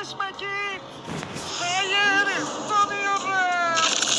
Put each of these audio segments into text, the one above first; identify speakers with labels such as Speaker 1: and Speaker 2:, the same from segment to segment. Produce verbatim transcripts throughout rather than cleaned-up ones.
Speaker 1: yaklaşma git. Hayır, donuyorum.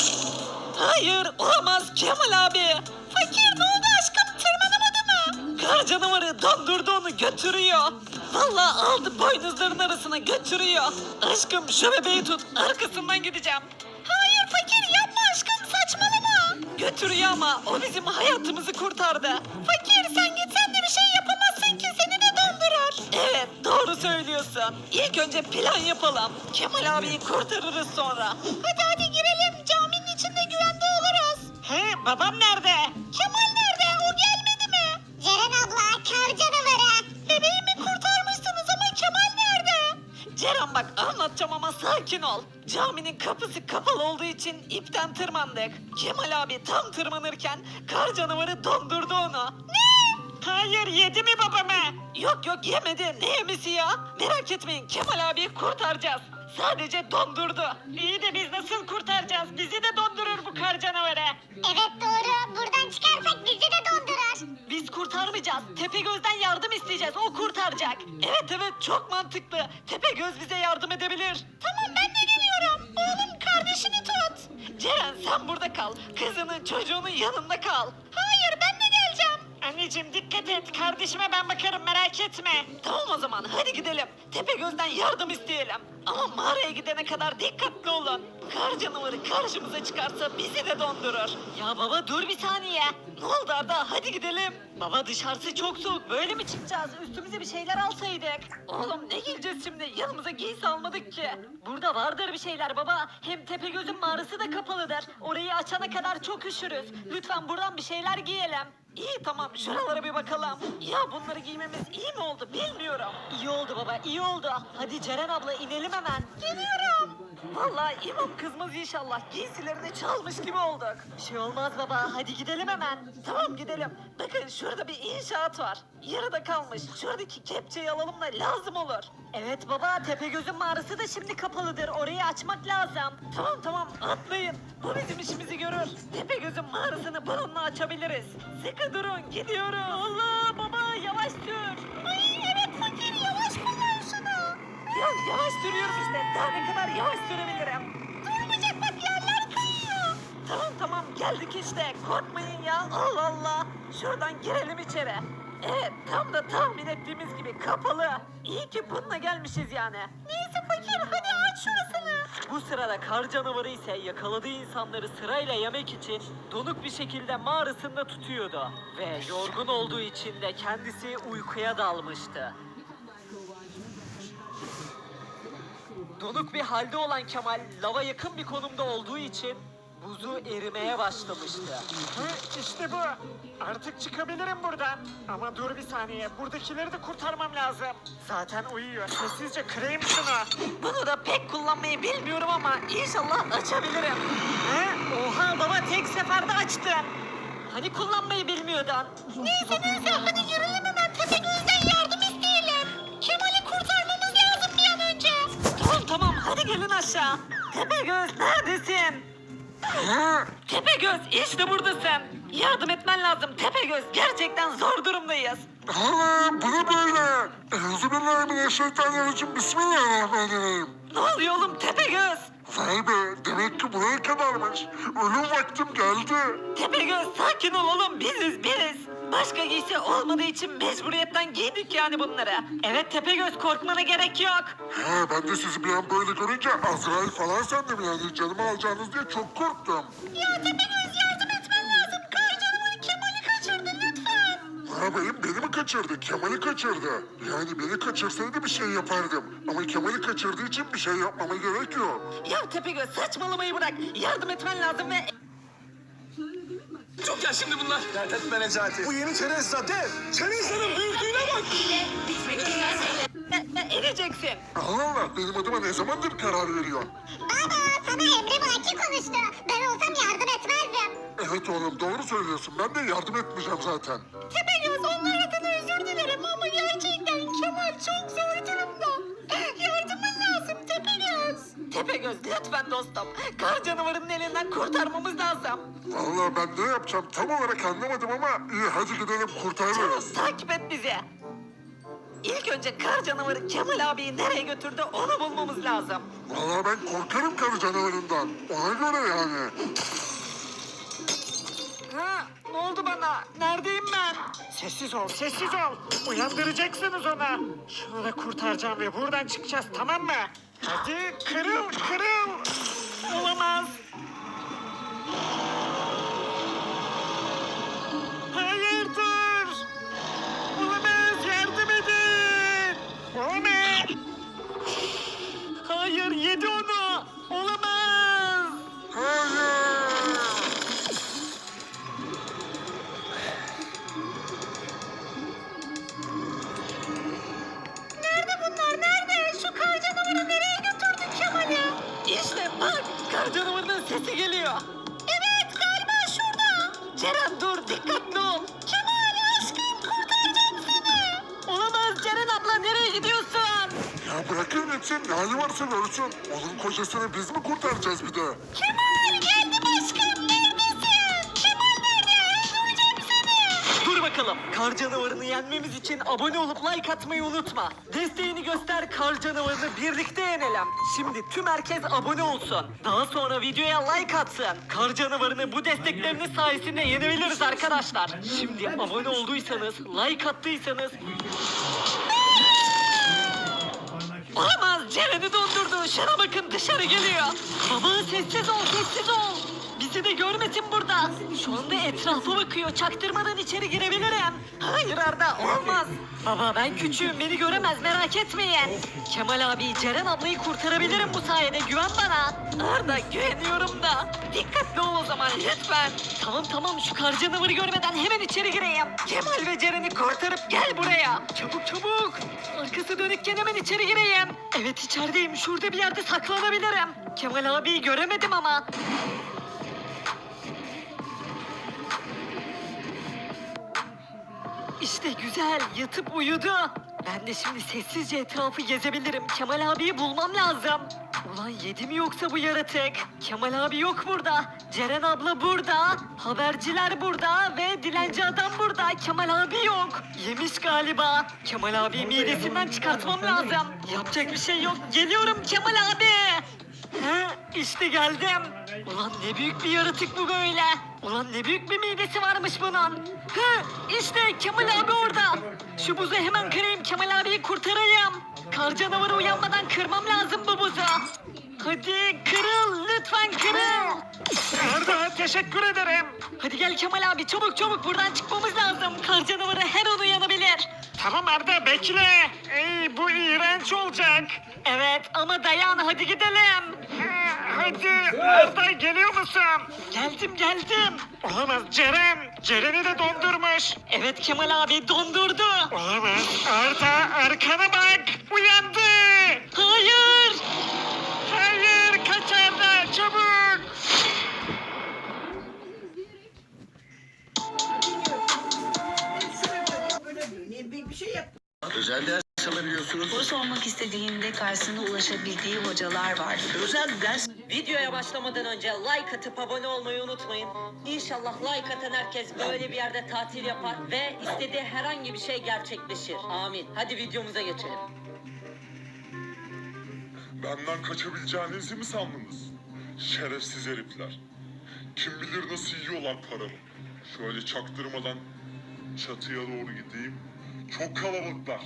Speaker 1: Hayır, olamaz Kemal abi. Fakir ne oldu aşkım, tırmanamadı mı? Kar canavarı dondurdu onu, götürüyor. Vallahi aldı boynuzların arasına götürüyor. Aşkım şu bebeği tut, arkasından gideceğim. Hayır fakir yapma aşkım, saçmalama. Götürüyor ama o bizim hayatımızı kurtardı. Fakir sen gitsen de bir şey yapamazsın ki, seni de dondurur. Evet doğru söylüyorsun. İlk önce plan yapalım. Kemal abiyi kurtarırız sonra. Hadi hadi girelim, caminin içinde güvende oluruz. He babam nerede? Kemal nerede, o gelmedi mi?
Speaker 2: Ceren abla, kar canavarı.
Speaker 1: Bebeğimi kurtarmışsınız ama Kemal nerede? Ceren bak anlatacağım ama sakin ol. Caminin kapısı kapalı olduğu için ipten tırmandık. Kemal abi tam tırmanırken kar canavarı dondurdu onu. Ne? Hayır yedi mi babamı? Yok yok yemedi. Ne yemesi ya? Merak etmeyin Kemal abiyi kurtaracağız. Sadece dondurdu. İyi de biz nasıl kurtaracağız? Bizi de dondurur bu kar canavarı.
Speaker 2: Evet doğru, buradan çıkarsak bizi de dondurur.
Speaker 1: Biz kurtarmayacağız. Tepegöz'den yardım isteyeceğiz. O kurtaracak. Evet evet çok mantıklı. Tepegöz bize yardım edebilir. Tamam ben de geliyorum. Oğlum kardeşini tut. Ceren sen burada kal. Kızının çocuğunun yanında kal. Hayır ben de geleceğim. Anneciğim dikkat et. Kardeşime ben bakarım merak etme. Tamam o zaman hadi gidelim. Tepegöz'den yardım isteyelim. Ama mağaraya gidene kadar dikkatli olun. Kar canavarı karşımıza çıkarsa bizi de dondurur. Ya baba dur bir saniye. Ne oldu Arda? Hadi gidelim. Baba dışarısı çok soğuk. Böyle mi çıkacağız? Üstümüze bir şeyler alsaydık. Oğlum ne giyeceğiz şimdi? Yanımıza giysi almadık ki. Burada vardır bir şeyler baba. Hem Tepegöz'ün mağarası da kapalıdır. Orayı açana kadar çok üşürüz. Lütfen buradan bir şeyler giyelim. İyi tamam şuralara bir bakalım. Ya bunları giymemiz iyi mi oldu bilmiyorum. İyi oldu baba iyi oldu. Hadi Ceren abla inelim hemen. Geliyorum. Vallahi imam kızmaz inşallah. Giysilerini çalmış gibi olduk. Bir şey olmaz baba hadi gidelim hemen. Tamam gidelim. Bakın şurada bir inşaat var. Yarıda kalmış. Şuradaki kepçeyi alalım da lazım olur. Evet baba Tepegöz'ün mağarası da şimdi kapalıdır. Orayı açmak lazım. Tamam tamam atlayın. Bu bizim işimizi görür. Tepegöz'ün mağarasını bununla açabiliriz. Sıkı durun gidiyoruz. Allah baba yavaş sür. Ay evet fakir yavaş kullan şunu. Ya yavaş sürüyorum işte. Daha ne kadar yavaş sürebilirim. Durmayacak bak yerler kayıyor. Tamam tamam geldik işte. Korkmayın ya. Allah Allah. Şuradan girelim içeri. Evet tam da tahmin ettiğimiz gibi kapalı. İyi ki bununla gelmişiz yani. Neyse fakir hadi aç şurasını. Bu sırada kar canavarı ise yakaladığı insanları sırayla yemek için donuk bir şekilde mağarasında tutuyordu. Ve yorgun olduğu için de kendisi uykuya dalmıştı. Donuk bir halde olan Kemal lava yakın bir konumda olduğu için buzu erimeye başlamıştı. Hı, işte bu. Artık çıkabilirim buradan. Ama dur bir saniye. Buradakileri de kurtarmam lazım. Zaten uyuyor. Sessizce kırayım şunu. Bunu da pek kullanmayı bilmiyorum ama inşallah açabilirim. He? Oha baba tek seferde açtın. Hani kullanmayı bilmiyordun? Neyse neyse hadi yürüyelim hemen Tepegöz'den yardım isteyelim. Kemal'i kurtarmamız lazım bir an önce. Tamam tamam hadi gelin aşağı. Tepegöz neredesin? Tepegöz işte buradasın. Yardım etmen lazım Tepegöz. Gerçekten zor durumdayız.
Speaker 3: Hala bu ne böyle? Euzubillahimineşşeytanirracim. Bismillahirrahmanirrahim.
Speaker 1: Ne oluyor oğlum Tepegöz?
Speaker 3: Vay be, demek ki buraya kadarmış. Ölüm vaktim geldi.
Speaker 1: Tepegöz sakin ol oğlum biziz biz. Başka giysi olmadığı için mecburiyetten giydik yani bunları. Evet Tepegöz korkmana gerek yok.
Speaker 3: He, ben de sizi bir an böyle görünce Azrail falan sandım yani. Canımı alacağınız diye çok korktum.
Speaker 1: Ya Tepegöz yardım etmen lazım. Kar canavarı Kemal'i kaçırdı lütfen.
Speaker 3: Ha benim, beni mi kaçırdı? Kemal'i kaçırdı. Yani beni kaçırsaydı bir şey yapardım. Ama Kemal'i kaçırdığı için bir şey yapmama gerek yok.
Speaker 1: Ya Tepegöz saçmalamayı bırak. Yardım etmen lazım ve...
Speaker 4: Çok ya şimdi bunlar. Dert etme Necati. Bu yeni Teresa dev. Teresa'nın büyüklüğüne bak.
Speaker 1: Ne, ne edeceksin?
Speaker 3: Allah Allah, benim adıma ne zamandır karar veriyorsun?
Speaker 2: Baba, sana Emre Vaki konuştu. Ben olsam yardım etmezdim.
Speaker 3: Evet oğlum, doğru söylüyorsun. Ben de yardım etmeyeceğim zaten.
Speaker 1: Tepegöz onlar adına özür dilerim ama gerçekten Kemal çok zor durumda. Yardımın lazım Tepegöz. Tepegöz lütfen dostum. Kar canavarının elinden kurtarmamız lazım.
Speaker 3: Vallahi ben ne yapacağım tam olarak anlamadım ama iyi hadi gidelim kurtarırız.
Speaker 1: Takip et bizi. İlk önce kar canavarı Kemal abiyi nereye götürdü onu bulmamız lazım.
Speaker 3: Vallahi ben korkarım karı canavarından. Ona göre yani.
Speaker 1: Ha, ne oldu bana? Neredeyim ben?
Speaker 5: Sessiz ol, sessiz ol. Uyandıracaksınız onu. Şunu da kurtaracağım ve buradan çıkacağız, tamam mı? Hadi kırıl, kırıl. Olamaz. Hayır dur. Olamaz, yardım edin. Olamaz. Hayır, yedi onu. Olamaz.
Speaker 3: Hayır.
Speaker 2: Nerede bunlar? Nerede? Şu kar canavarı nereye götürdü Kemal'i?
Speaker 1: İşte bak kar canavarının sesi geliyor.
Speaker 2: Evet galiba şurada.
Speaker 1: Ceren dur dikkatli ol.
Speaker 2: Kemal aşkım kurtaracağım seni.
Speaker 1: Olamaz Ceren abla nereye gidiyorsun?
Speaker 3: Ya bırakın gitsin. Ne hali varsa görsün. Onun kocasını biz mi kurtaracağız bir de?
Speaker 2: Kemal geldim aşkım neredesin? Kemal nerede? Öldüreceğim seni.
Speaker 1: Dur bakalım. Kar canavarını yenmemiz için abone olup like atmayı unutma. Desteğini göster kar canavarını birlikte yenelim. Şimdi tüm herkes abone olsun. Daha sonra videoya like atsın. Kar canavarını bu destekleriniz sayesinde yenebiliriz arkadaşlar. Şimdi abone olduysanız, like attıysanız... Olamaz Ceren'i dondurdu. Şuna bakın dışarı geliyor. Baba sessiz ol sessiz ol. Bizi de görmesin burada. Şu anda etrafa bakıyor. Çaktırmadan içeri girebilirim. Hayır Arda olmaz. Baba ben küçüğüm beni göremez merak etmeyin. Kemal abi Ceren ablayı kurtarabilirim bu sayede güven bana. Arda güveniyorum da. Dikkatli ol o zaman lütfen. Tamam tamam şu kar canavarı görmeden hemen içeri gireyim. Kemal ve Ceren'i kurtarıp gel buraya. Çabuk çabuk. Arkası dönükken hemen içeri gireyim. Evet içerideyim şurada bir yerde saklanabilirim. Kemal abiyi göremedim ama. İşte güzel yatıp uyudu. Ben de şimdi sessizce etrafı gezebilirim. Kemal abiyi bulmam lazım. Ulan yedi mi yoksa bu yaratık? Kemal abi yok burada. Ceren abla burada. Haberciler burada ve dilenci adam burada. Kemal abi yok. Yemiş galiba. Kemal abi midesinden çıkartmam lazım. Yapacak bir şey yok. Geliyorum Kemal abi. He, işte geldim. Ulan ne büyük bir yaratık bu böyle. Ulan ne büyük bir midesi varmış bunun. He, işte Kemal abi orada. Şu buzu hemen kırayım Kemal abiyi kurtarayım. Kar canavarı uyanmadan kırmam lazım bu buzu. Hadi kırıl lütfen kırıl.
Speaker 5: Arda teşekkür ederim.
Speaker 1: Hadi gel Kemal abi çabuk çabuk buradan çıkmamız lazım. Kar canavarı her an uyanabilir.
Speaker 5: Tamam Arda bekle. Ey, bu iğrenç olacak.
Speaker 1: Evet ama dayan hadi gidelim.
Speaker 5: Ha, Hadi Arda geliyor musun?
Speaker 1: Geldim geldim.
Speaker 5: Olamaz Ceren. Ceren'i de dondurmuş.
Speaker 1: Evet Kemal abi dondurdu.
Speaker 5: Olamaz. Arda arkana bak. Uyandı.
Speaker 1: Hayır.
Speaker 5: Hayır kaç Arda çabuk.
Speaker 4: Özel ders alabiliyorsunuz.
Speaker 6: Soru sormak istediğinde karşısında ulaşabildiği hocalar var.
Speaker 4: Özel ders.
Speaker 1: Videoya başlamadan önce like atıp abone olmayı unutmayın. İnşallah like atan herkes böyle bir yerde tatil yapar ve istediği herhangi bir şey gerçekleşir. Amin. Hadi videomuza geçelim.
Speaker 3: Benden kaçabileceğinizi mi sandınız? Şerefsiz herifler. Kim bilir nasıl yiyorlar paramı. Şöyle çaktırmadan çatıya doğru gideyim. Çok kalabalıklar.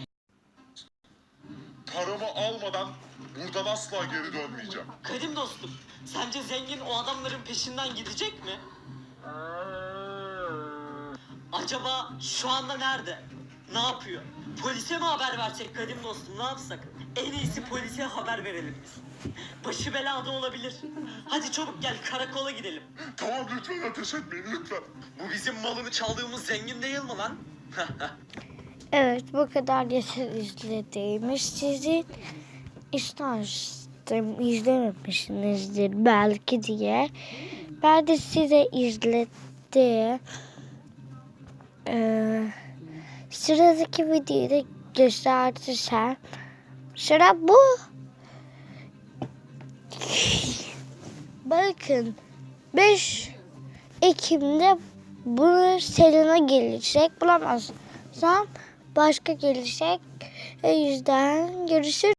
Speaker 3: Paramı almadan buradan asla geri dönmeyeceğim.
Speaker 1: Kadim dostum, sence zengin o adamların peşinden gidecek mi? Acaba şu anda nerede? Ne yapıyor? Polise mi haber versek Kadim dostum, ne yapsak? En iyisi polise haber verelim biz. Başı belada olabilir. Hadi çabuk gel karakola gidelim.
Speaker 3: Tamam lütfen ateş etmeyin lütfen.
Speaker 4: Bu bizim malını çaldığımız zengin değil mi lan?
Speaker 7: Evet bu kadar yeter izlediğimiz sizin istersem izlememişsinizdir belki diye. Ben de size izledim. Ee, sıradaki videoyu da gösterirsem. Sıra bu. Bakın beş Ekim'de bunu Selena gelecek. Bulamazsam başka gelecek. O yüzden görüşürüz.